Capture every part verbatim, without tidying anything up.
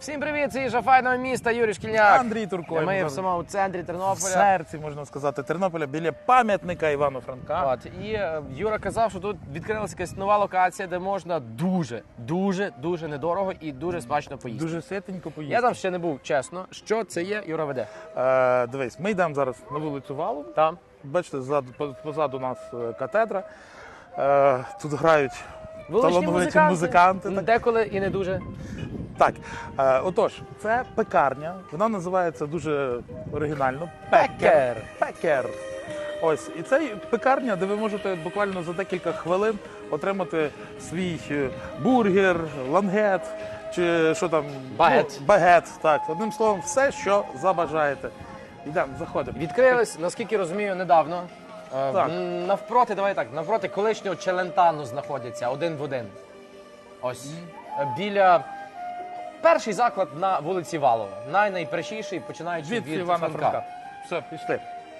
Всім привіт, це Їжа файного міста, Юрій Шкільняк. Андрій Туркой. Ми в самому центрі Тернополя. В серці, можна сказати, Тернополя, біля пам'ятника Івану Франка. От, і е, Юра казав, що тут відкрилася якась нова локація, де можна дуже, дуже, дуже недорого і дуже смачно поїсти. Дуже ситенько поїсти. Я там ще не був, чесно. Що це є, Юра веде? Е, дивись, ми йдемо зараз на вулицю Валу. Там. Бачите, ззаду, по- позаду нас е, катедра. Е, тут грають Вуличні талановиті музиканти. музиканти. Так. Деколи і не дуже. Так, е, отож, це пекарня. Вона називається дуже оригінально Пекер. Пекер. Ось, і це пекарня, де ви можете буквально за декілька хвилин отримати свій е, бургер, лангет чи що там. Багет. Ну, багет, так. Одним словом, все, що забажаєте. Йдемо, заходимо. Відкрились, наскільки розумію, недавно. Е, Так. м, Навпроти, давай так, навпроти колишнього Челентану знаходяться один в один. Ось. Е, Біля... Перший заклад на вулиці Валова. Най-найпершіший, починаючи Від від Івана Франка. Франка. Все, пішли.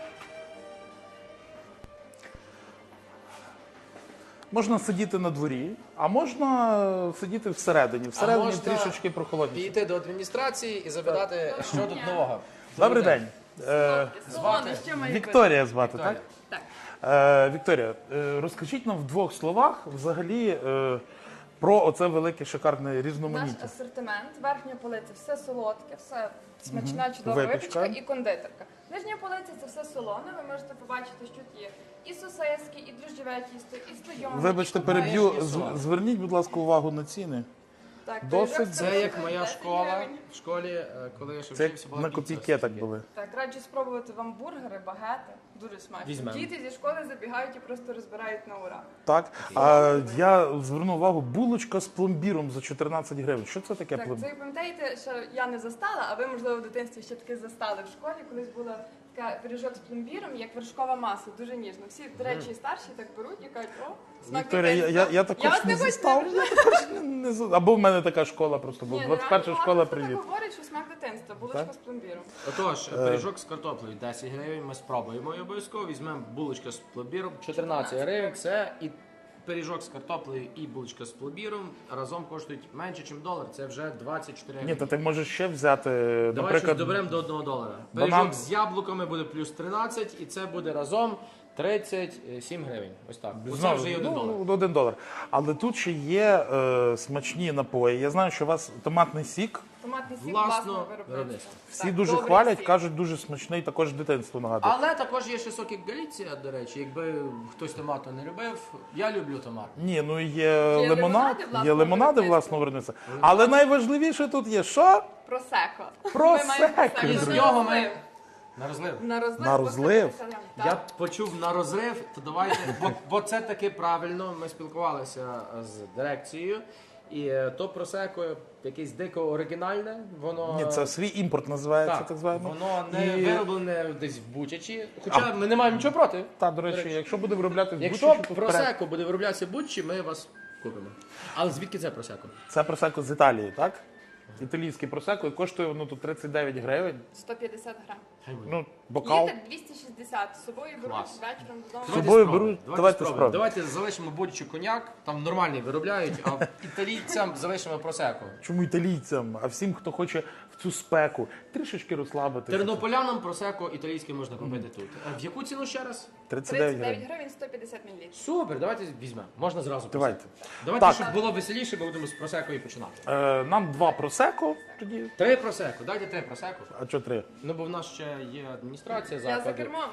Можна сидіти на дворі, а можна сидіти всередині. Всередині можна трішечки прохолодніше. Піти до адміністрації і запитати, що тут нового. Добрий день. Е, Солоне, що має бути? Вікторія звати, Вікторія. так? Так. Е, Вікторія, е, розкажіть нам в двох словах взагалі е, про оце велике шикарне Наш різноманіття. асортимент, верхня полиця, все солодке, все смачна, чудова Випічка. випічка і кондитерка. Нижня полиця це все солоне, ви можете побачити, що тут є і сосиски, і дріжджове тісто, і слойоне. Вибачте, і переб'ю. купажні. З- Зверніть, будь ласка, увагу на ціни. Так, досить. пиріжок Це як коштує моя десять школа гривень. в школі, е, коли я ще Це вчився, як була на піца копійки так собі. були. Так, раджу спробувати вам бургери, багети. Дуже смачно. Візьмемо. Діти зі школи забігають і просто розбирають на ура. Так, а я звернув увагу, булочка з пломбіром за чотирнадцять гривень. Що це таке Так, пломбір? це ви пам'ятаєте, що я не застала, а ви, можливо, в дитинстві ще таки застали в школі. Колись була така пиріжок з пломбіром, як вершкова маса, дуже ніжно. Всі, до речі, старші так беруть і кажуть, о, смак Вікторія, я, дитинства. я, я також вас не не хочу застав. не Я також не, не за- Або в мене така школа просто була. Ні, двадцять перша нереально школа, багато хто привіт. так говорить, що смак дитинства, булочка Так? з пломбіром. Отож, пиріжок з картоплею десять гривень, ми спробуємо і обов'язково. Візьмемо булочка з пломбіром чотирнадцять гривень. Це і пиріжок з картоплею, і булочка з пломбіром разом коштують менше, ніж долар. Це вже двадцять чотири Ні, гривні. то ти можеш ще взяти, Давай щось наприклад, доберемо до одного долара. банан. Пиріжок з яблуками буде плюс тринадцять, і це буде разом тридцять сім гривень. Ось так. Оце знову, вже є один долар. ну, один долар. Але тут ще є е, смачні напої. Я знаю, що у вас томатний сік. Томатний сік Власного власного виробництва. виробництва. Всі Так, дуже добрий хвалять, сік. кажуть, дуже смачний, також дитинство нагадує. Але також є ще сокік Галіція, до речі. Якби хтось томату не любив, я люблю томат. Ні, ну є, Є лимонад, лимонади є власного лимонади виробництва. власного виробництва. Але найважливіше тут є що? Просеко. Просеко, Ми маємо І з друзі. нього ми на розлив. На розлив. На розлив? по сто п'ятдесят грам. Я Так. почув на розрив, то давайте, бо, бо це таки правильно. Ми спілкувалися з дирекцією, і е, то просеко якесь дико оригінальне, воно Ні, це свій імпорт називається, так, так, званий. воно не І- вироблене десь в Бучачі. Хоча ми не маємо нічого проти. Та, до речі, якщо буде виробляти в Якщо Бучачі, то вперед. просеко буде вироблятися в Бучі, ми вас купимо. Але звідки це просеко? Це просеко з Італії, так? Італійський просеко, і коштує воно тут тридцять дев'ять гривень. сто п'ятдесят грам. Ну, бокал. Їде двісті шістдесят. З собою беруть Клас. вечором додому. З собою спробуємо, беруть, давайте спробуємо. Давайте залишимо Бучу коньяк, там нормальний виробляють, а італійцям залишимо просеко. Чому італійцям, а всім, хто хоче в цю спеку трішечки розслабитися. Тернополянам просеко італійське можна купити тут. А в яку ціну ще раз? тридцять дев'ять тридцять дев'ять гривень. гривень, сто п'ятдесят мілілітрів. Супер, давайте візьмемо. Можна зразу. Давайте. просеко. Давайте, Так. щоб було веселіше, ми будемо з просеко і починати. Е, нам два просеко тоді. Три просеко, дайте три просеко. А що три? Ну бо в нас ще є адміністрація Я за закладу. кермом.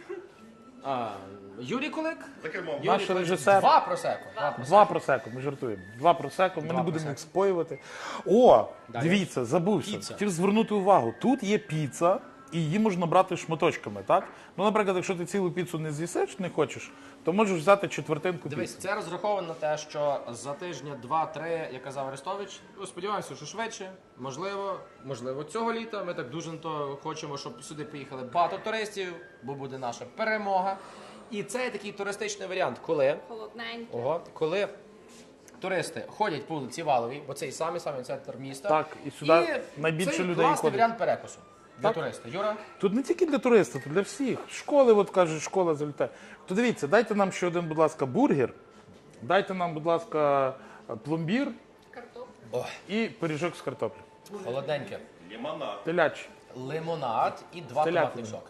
А, Юрій Кулик. За кермом. Наш режисер. Два просеко. Два просеко. Два просеко, ми жартуємо. Два просеко, ми Два не будемо просеко. їх споювати. О, Далі. дивіться, забувся. Піца. Хотів звернути увагу. Тут є піца, і її можна брати шматочками, так? Ну, наприклад, якщо ти цілу піцу не з'їсиш, не хочеш, то можеш взяти четвертинку Дивись, піци. це розраховано на те, що за тижня два-три, як казав Арестович, ну, сподіваємося, що швидше, можливо, можливо, цього літа. Ми так дуже на то хочемо, щоб сюди приїхали багато туристів, бо буде наша перемога. І це є такий туристичний варіант, коли, Холодненький. ого, коли туристи ходять по вулиці Валовій, бо це і самий самий центр міста. Так, і сюди найбільше це людей класний ходить. варіант перекусу для Так. туриста. Юра? Тут не тільки для туристів, тут для всіх. Школи, от кажуть, школа залітає. То дивіться, дайте нам ще один, будь ласка, бургер, дайте нам, будь ласка, пломбір Картоплю. і пиріжок з картоплею. Холодненьке. Теляч. Лимонад і два Телятина. томатних соки.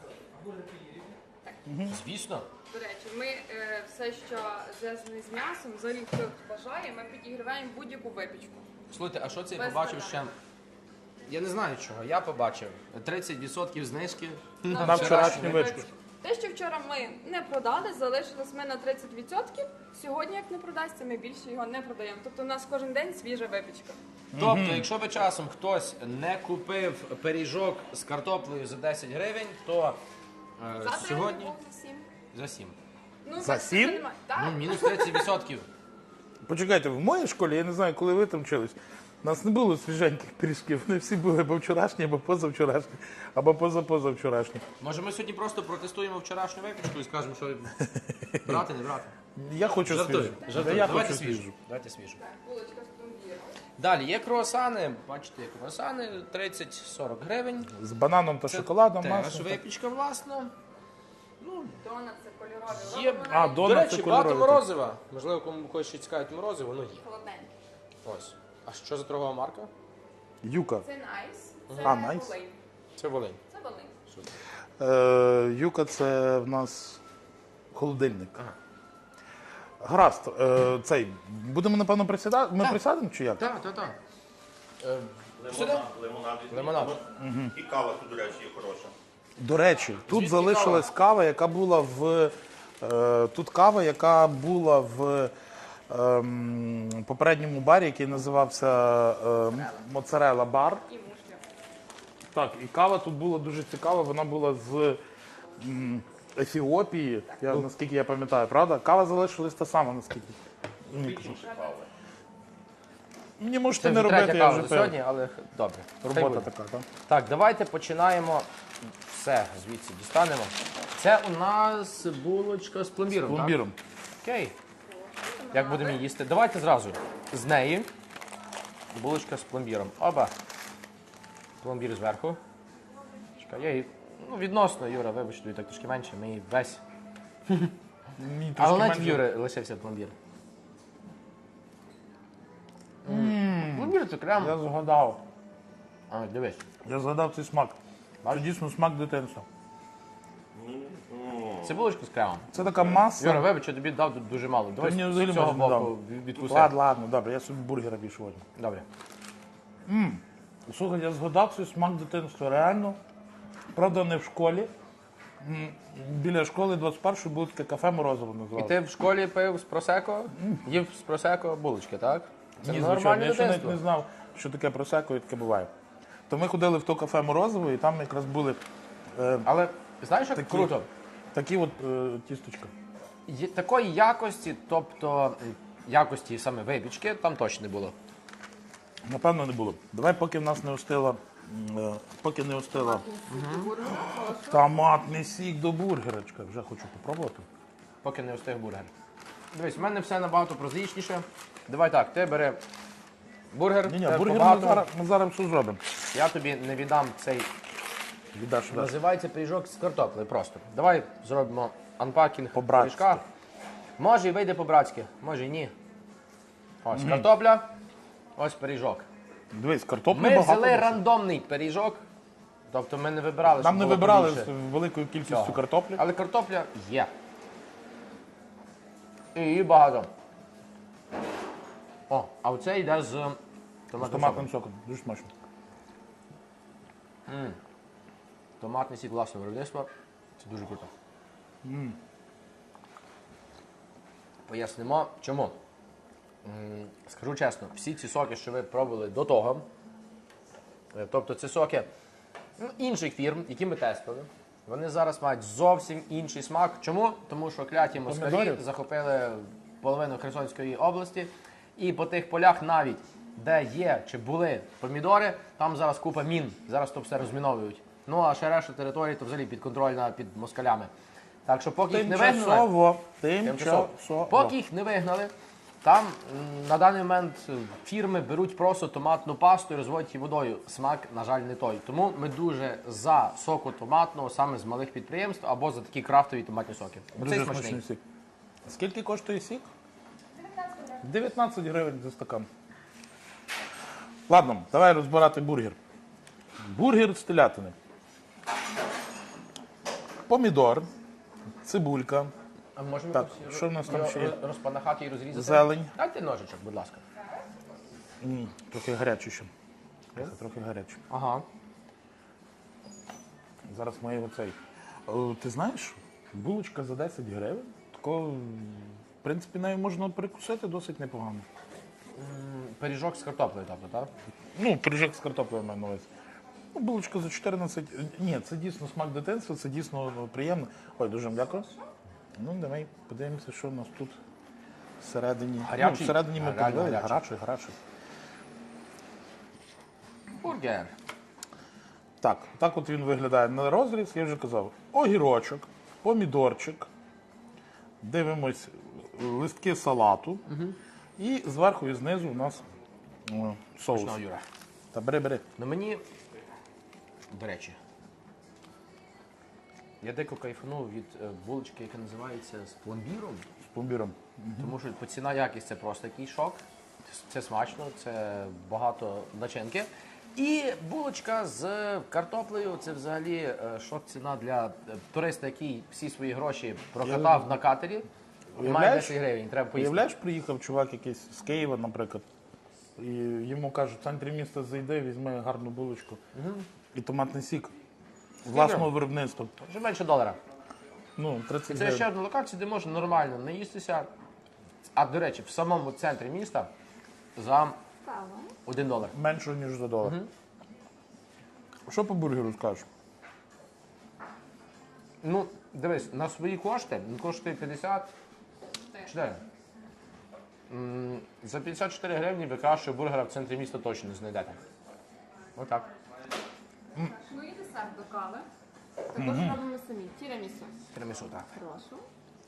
Звісно. До речі, ми е, все, що зв'язане з м'ясом, взагалі хто бажає, ми підігріваємо будь-яку випічку. Слухайте, а що це я Без побачив питань. ще? Я не знаю чого. Я побачив тридцять відсотків знижки На вчорашню випічку. Те, що вчора ми не продали, залишилось ми на тридцять відсотків. Сьогодні, як не продасться, ми більше його не продаємо. Тобто у нас кожен день свіжа випічка. Тобто, якщо би часом хтось не купив пиріжок з картоплею за десять гривень, то е, Завтра сьогодні я був за сім. за сім. Ну, За бачите, сім? немає. Так. Ну, мінус тридцять відсотків. Почекайте, в моїй школі, я не знаю, коли ви там вчились, у нас не було свіженьких пиріжків. Вони всі були або вчорашні, або позавчорашні, або позапозавчорашні. Може ми сьогодні просто протестуємо вчорашню випічку і скажемо, що брати, не брати. Я хочу Жартую, свіжу. жартую. Я Давайте хочу свіжу. свіжу. Давайте свіжу. Так, булочка з пломбіром. Далі є круасани, бачите, є круасани тридцять-сорок гривень. З бананом та Це шоколадом, теж маслом. випічка власна. Донат це кольорові. Є, Робимо А, навіть до донат це речі, багато кольоровий. морозива. Можливо, кому когось ще цікавить морозиво, воно є. холодненькі. Ось. А що за торгова марка? Юка. Це найс. Це А, найс. Волинь. Це Волинь. Це Волинь. Е, Юка це в нас холодильник. Ага. Гаразд, е, цей, будемо, напевно, присідати? Ми Так. присядемо чи як? Так, так, так. Е, сюди? Лимонад, лимонад. візьміть. Лимонад. І кава тут, до речі, є хороша. До речі, тут Звідки залишилась кава, яка була в. Е, тут кава, яка була в ем, попередньому барі, який називався е, Моцарелла бар. І мушля. Так, і кава тут була дуже цікава, вона була з м, Ефіопії, я, наскільки я пам'ятаю, правда? Кава залишилась та сама, наскільки. Мені можете Це не вже робити, третя я кава вже за сьогодні, але добре. Хай Робота буде. така, так? Так, давайте починаємо. Все, звідси дістанемо. Це у нас булочка з пломбіром, так? Пломбіром. Окей. Як будемо її їсти? Давайте зразу. З неї булочка з пломбіром. Оба. Пломбір зверху. Чекай, я її. Ну, відносно, Юра, вибачте, тобі так трошки менше, ми її весь. Мені трошки Але навіть в менше. Юри лишився пломбір. Пломбір це прям. Я згадав. А, дивись. Я згадав цей смак. Це Бачиш? дійсно смак дитинства. Це булочка з кремом. Це така маса. Юра, вибач, я тобі дав тут дуже мало. Давай мені з взагалі цього майже не боку дав. відкуси. Ладно, ладно, добре, я собі бургера більше возьму. Добре. Слухай, я згадав цей смак дитинства, реально. Правда, не в школі. М, Біля школи двадцять першої було таке кафе Морозово І називалося. ти в школі пив з просеко, їв з просеко булочки, так? Це Ні, звичайно, нормальне я ще навіть дитинство. не знав, що таке просеко і таке буває. То ми ходили в то кафе Морозово, і там якраз були е, Але знаєш, як Такі- круто? такі от е, тісточка. Є- Такої якості, тобто м, якості саме випічки, там точно не було. Напевно, не було. Давай, поки в нас не остила, м, е, поки не остила томатний сік до бургерочка. Вже хочу попробувати. Поки не встиг бургер. Дивись, в мене все набагато прозаїчніше. Давай так, ти бери бургер, Ні, ні, тебе бургер ми побагато. зараз, ми зараз все зробимо. Я тобі не віддам цей, Віддаш, віддаш. називається пиріжок з картоплею просто. Давай зробимо анпакінг По-братськи. пиріжка. Може і вийде по-братськи, може і ні. Ось картопля, ось пиріжок. Дивись, картоплі Ми багато. взяли досить. рандомний пиріжок, тобто ми не вибирали, Нам щоб не було вибирали побільше з великою кількістю цього. картоплі. Але картопля є. І її багато. О, а оце йде з З томатним томатним соком. соком. Дуже смачно. Томатний сік власного виробництва. Це дуже круто. Пояснимо, чому. М, Скажу чесно, всі ці соки, що ви пробували до того, е, тобто це соки ну, інших фірм, які ми тестили, вони зараз мають зовсім інший смак. Чому? Тому що кляті москалі Помідорів? захопили половину Херсонської області, і по тих полях навіть, де є чи були помідори, там зараз купа мін, зараз то все розміновують. Ну а ще решта території то взагалі підконтрольна під москалями. Так що поки їх не вигнали, Тимчасово. Тимчасово. Тимчасово. Поки їх не вигнали, там м, на даний момент е, фірми беруть просто томатну пасту і розводять її водою. Смак, на жаль, не той. Тому ми дуже за соку томатного саме з малих підприємств або за такі крафтові томатні соки. Оцей Дуже смачний. смачний сік. Скільки коштує сік? дев'ятнадцять гривень за стакан. Ладно, давай розбирати бургер. Бургер з телятини. Помідор, цибулька, А можемо Так, якось що в нас там його ще є? роз- розпанахати і розрізати? Зелень. Дайте ножичок, будь ласка. М, трохи гаряче ще. Трохи, трохи гаряче. Ага. Зараз ми його цей. О, ти знаєш, булочка за десять гривень. Такого, в принципі, нею можна перекусити досить непогано. Пиріжок з картоплею, тобто, так? Ну, пиріжок з картоплею маю на увазі. Ну, булочка за чотирнадцять. Ні, це дійсно смак дитинства, це дійсно ну, приємно. Ой, дуже вам дякую. Ну, давай подивимося, що у нас тут всередині. Гарячий? Ну, всередині ми А, реально подивилися. гарячий. Гарячий, гарячий. Бургер. Так, так от він виглядає на розріз, я вже казав. Огірочок, помідорчик, дивимось листки салату. І зверху і знизу у нас о, соус. Ну, Юра. Та бери, бери. Ну мені, до речі, я дико кайфанув від е, булочки, яка називається з пломбіром, З пломбіром. тому що по ціна якість це просто такий шок. Це смачно, це багато начинки. І булочка з картоплею це взагалі е, шок ціна для е, туриста, який всі свої гроші прокатав на катері. Має Уявляєш? десять гривень, треба поїсти. Уявляєш, приїхав чувак якийсь з Києва, наприклад, і йому кажуть, в центрі міста зайди, візьми гарну булочку і томатний сік. Власного виробництва. Вже менше долара. Ну, тридцять Це гривень. ще одна локація, де можна нормально наїстися. А до речі, в самому центрі міста за один долар. Менше, ніж за долар. Що по бургеру скажеш? Ну, дивись, на свої кошти він коштує п'ятдесят чотири. М, За п'ятдесят чотири гривні ви кращого бургера в центрі міста точно не знайдете. Отак. Ну і десерт до кави. Також робимо самі. Тірамісу. Тирамісу, так. Прошу.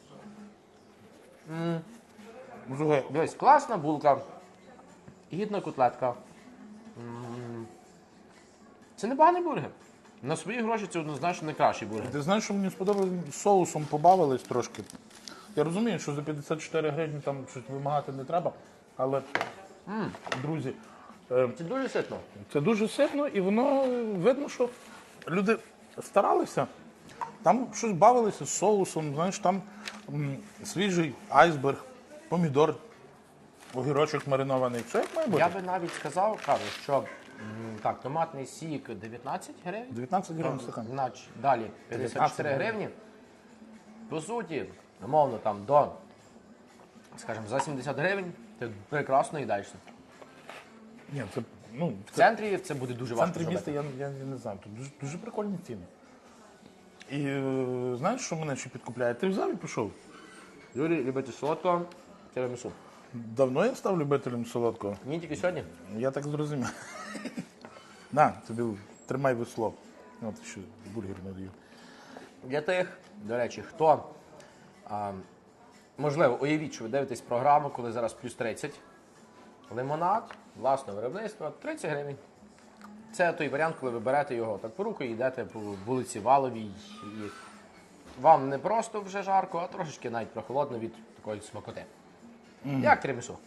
Слухай, Дивись, класна булка, гідна котлетка. М, Це непоганий бургер. На свої гроші це однозначно найкращий бургер. ти знаєш, що мені сподобалось, соусом побавились трошки. Я розумію, що за п'ятдесят чотири гривні там щось вимагати не треба, але, друзі, е, Це дуже ситно. це дуже ситно і воно е, видно, що люди старалися. Там щось бавилися з соусом, знаєш, там м, свіжий айсберг, помідор, огірочок маринований. Все як має бути. Я би навіть сказав, кажу, що м, так, томатний сік дев'ятнадцять гривень. дев'ятнадцять гривень стакан. Значить, далі п'ятдесят чотири гривні. По суті, умовно, там до, скажімо, за сімдесят гривень ти прекрасно їдаєшся. Ні, це, ну, В центрі це буде дуже В важко центрі міста зробити. я, я, я не знаю, тут дуже, дуже прикольні ціни. І е, знаєш, що мене ще підкупляє? Ти взяв і пішов. Юрій, любите солодко, тирамісу. Давно я став любителем солодкого. Ні, тільки сьогодні. Я так зрозумів. На, тобі тримай весло. От ще бургер надаю. Для тих, до речі, хто, а, можливо, уявіть, що ви дивитесь програму, коли зараз плюс тридцять. Лимонад, власного виробництва, тридцять гривень. Це той варіант, коли ви берете його так по руку і йдете по вулиці Валовій. І вам не просто вже жарко, а трошечки навіть прохолодно від такої смакоти. Як тирамісу?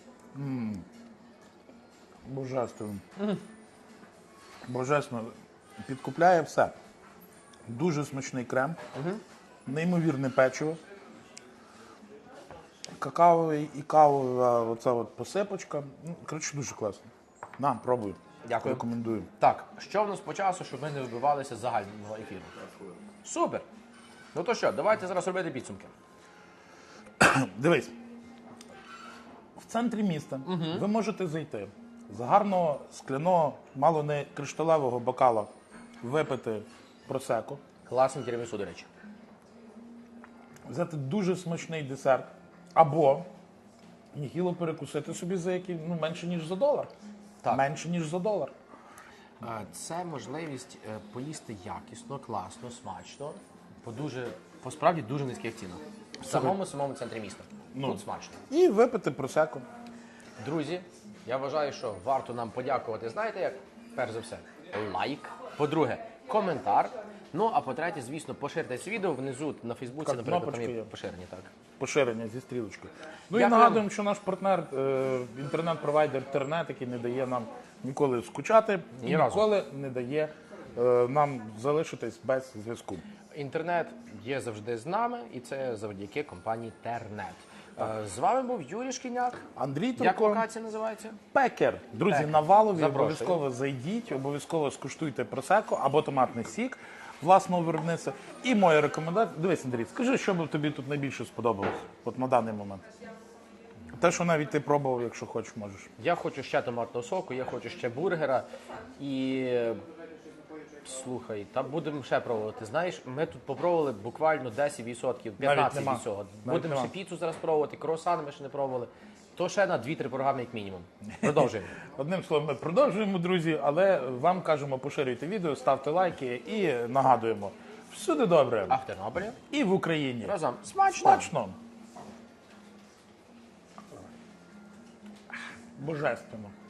Божественно. Божественно. Підкупляє все. Дуже смачний крем, неймовірне печиво, какаовий і кавова оця от посипочка. Ну, коротше, дуже класно. На, пробуй. Дякую. Рекомендую. Так, що в нас по часу, щоб ми не вибивалися з загального ефіру? Супер! Ну то що, давайте зараз робити підсумки. Дивись, в центрі міста ви можете зайти з гарного скляного, мало не кришталевого бокала, випити просеко, Класний тирамісу, до речі. взяти дуже смачний десерт, або нігіло перекусити собі за який, ну, менше, ніж за долар. Так. Менше, ніж за долар. Е, Це можливість е, поїсти якісно, класно, смачно, по дуже, по справді дуже низьких цінах. В самому самому центрі міста. Тут смачно. І випити просеко. Друзі, я вважаю, що варто нам подякувати. Знаєте як? Перш за все, лайк. По-друге, коментар. Ну, а по-третє, звісно, поширте це відео внизу на Фейсбуці, Так, наприклад, там кнопочка є є. поширені, так. поширення зі стрілочкою. Ну і Дякую. нагадуємо, що наш партнер, е, інтернет-провайдер Тернет, який не дає нам ніколи скучати, і Ні разу. ніколи не дає е, нам залишитись без зв'язку. Інтернет є завжди з нами, і це завдяки компанії Тернет. Е, З вами був Юрій Шкільняк. Андрій Як Турко, локація називається? Пекер. Друзі, Пекер. на Валові Запрошую. обов'язково зайдіть, обов'язково скуштуйте просеко або томатний сік власного виробництва. І моя рекомендація. Дивись, Андрій, скажи, що би тобі тут найбільше сподобалось от на даний момент. Те, що навіть ти пробував, якщо хочеш, можеш. Я хочу ще томатного соку, я хочу ще бургера. І е, слухай, та будемо ще пробувати. Знаєш, ми тут попробували буквально десять відсотків, п'ятнадцять нема. від цього. Навіть Будемо нема. ще піцу зараз пробувати, круасани ми ще не пробували. То ще на дві-три програми, як мінімум. Продовжуємо. Одним словом, ми продовжуємо, друзі, але вам кажемо, поширюйте відео, ставте лайки і нагадуємо. Всюди добре. А в Тернополі? І в Україні. Разом. Смачно! Смачно. Божественно.